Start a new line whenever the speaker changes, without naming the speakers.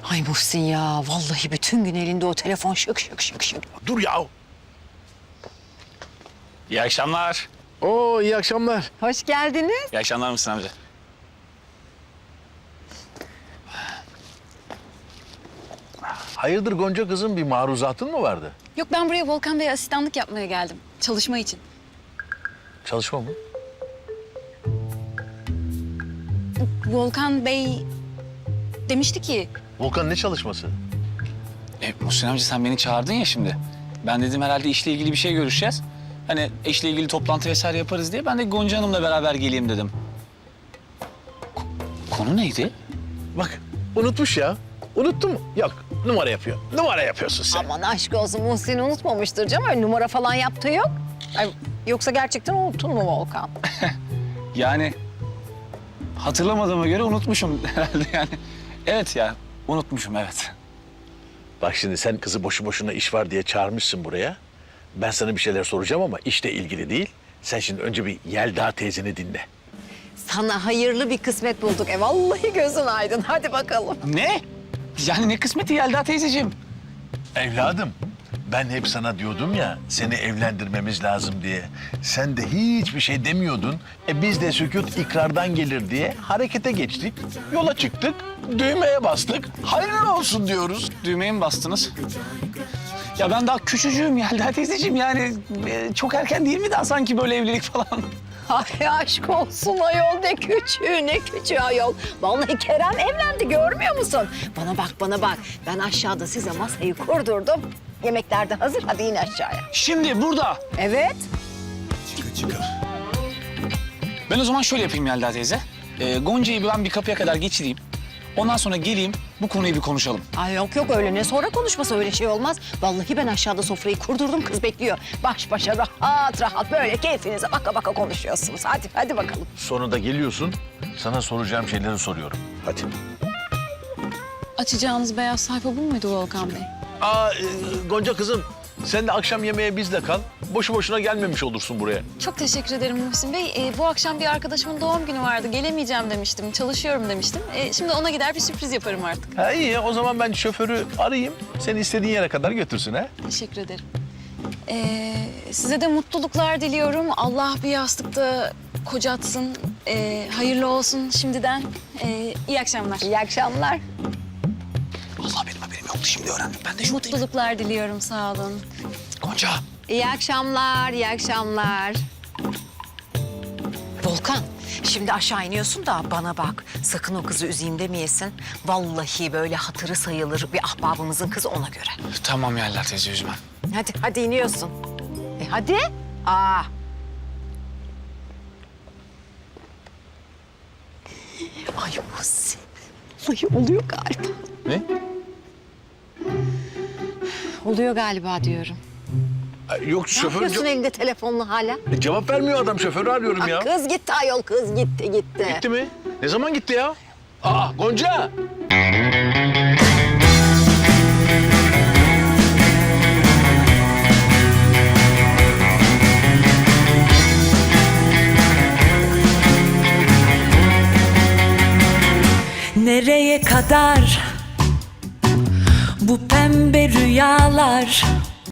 Ay Muhsin ya, vallahi bütün gün elinde o telefon şık şık şık şık.
Dur ya.
İyi akşamlar.
Oo, iyi akşamlar.
Hoş geldiniz.
İyi akşamlar Muhsin amca.
Hayırdır Gonca kızım, bir maruzatın mı vardı?
Yok, ben buraya Volkan Bey'e asistanlık yapmaya geldim. Çalışma için.
Çalışma mı?
Volkan Bey demişti ki...
Volkan ne çalışması?
Muhsin amca sen beni çağırdın ya şimdi. Ben dedim herhalde işle ilgili bir şey görüşeceğiz. Hani işle ilgili toplantı vesaire yaparız diye ben de Gonca Hanım'la beraber geleyim dedim. Konu neydi?
Bak unutmuş ya. Unuttun mu? Yok, numara yapıyor. Numara yapıyorsun sen.
Aman aşk olsun, Muhsin unutmamıştır canım. Öyle numara falan yaptığı yok. Ay, yoksa gerçekten unuttun mu Volkan?
Yani hatırlamadığıma göre unutmuşum herhalde yani. Evet ya, unutmuşum evet.
Bak şimdi sen kızı boşu boşuna iş var diye çağırmışsın buraya. Ben sana bir şeyler soracağım ama işle ilgili değil. Sen şimdi önce bir Yelda teyzeni dinle.
Sana hayırlı bir kısmet bulduk. Vallahi gözün aydın. Hadi bakalım.
Ne? Yani ne kısmeti Yelda teyzeciğim?
Evladım, ben hep sana diyordum ya seni evlendirmemiz lazım diye. Sen de hiçbir şey demiyordun. Biz de sükût ikrardan gelir diye harekete geçtik. Yola çıktık, düğmeye bastık. Hayırlı olsun diyoruz.
Düğmeye mi bastınız? Ya ben daha küçücüğüm Yelda teyzeciğim yani çok erken değil mi daha sanki böyle evlilik falan?
Ay aşk olsun ayol, ne küçüğü ne küçüğü ayol. Vallahi Kerem evlendi, görmüyor musun? Bana bak bana bak. Ben aşağıda size masayı kurdurdum. Yemekler de hazır, hadi in aşağıya.
Şimdi burada.
Evet.
Ben o zaman şöyle yapayım Yelda teyze. Gonca'yı ben bir kapıya kadar geçireyim. Ondan sonra geleyim bu konuyu bir konuşalım.
Ay yok yok, öyle ne sonra konuşması, öyle şey olmaz. Vallahi ben aşağıda sofrayı kurdurdum, kız bekliyor. Baş başa rahat rahat böyle keyfinize baka baka konuşuyorsunuz. Hadi bakalım.
Sonunda geliyorsun, sana soracağım şeyleri soruyorum. Hadi.
Açacağınız beyaz sayfa bu muydu Volkan Bey?
Gonca kızım, sen de akşam yemeğe bizle kal. Boşu boşuna gelmemiş olursun buraya.
Çok teşekkür ederim Muhsin Bey. Bu akşam bir arkadaşımın doğum günü vardı. Gelemeyeceğim demiştim. Çalışıyorum demiştim. Şimdi ona gider bir sürpriz yaparım artık.
Ha iyi ya, o zaman ben şoförü arayayım. Seni istediğin yere kadar götürsün ha.
Teşekkür ederim. Size de mutluluklar diliyorum. Allah bir yastıkta kocatsın. Hayırlı olsun şimdiden. İyi akşamlar.
İyi akşamlar.
Allah benim haberim yoktu şimdi öğrendim. Ben de şuradayım.
Mutluluklar diliyorum, sağ olun.
Gonca.
İyi akşamlar, iyi akşamlar. Volkan, şimdi aşağı iniyorsun da bana bak. Sakın o kızı üzeyim demeyesin. Vallahi böyle hatırı sayılır bir ahbabımızın kızı, ona göre.
Tamam Yelda teyze üzmem.
Hadi iniyorsun. Hadi. Aa. Ay Muhsin. Vallahi oluyor galiba.
Ne?
Oluyor galiba diyorum.
Yok
Ne
şoför
yapıyorsun elinde telefonla hala?
cevap vermiyor adam, şoförü arıyorum ya.
Kız gitti ayol, kız gitti.
Gitti mi? Ne zaman gitti ya? Aa Gonca!
Nereye kadar bu pembe rüyalar?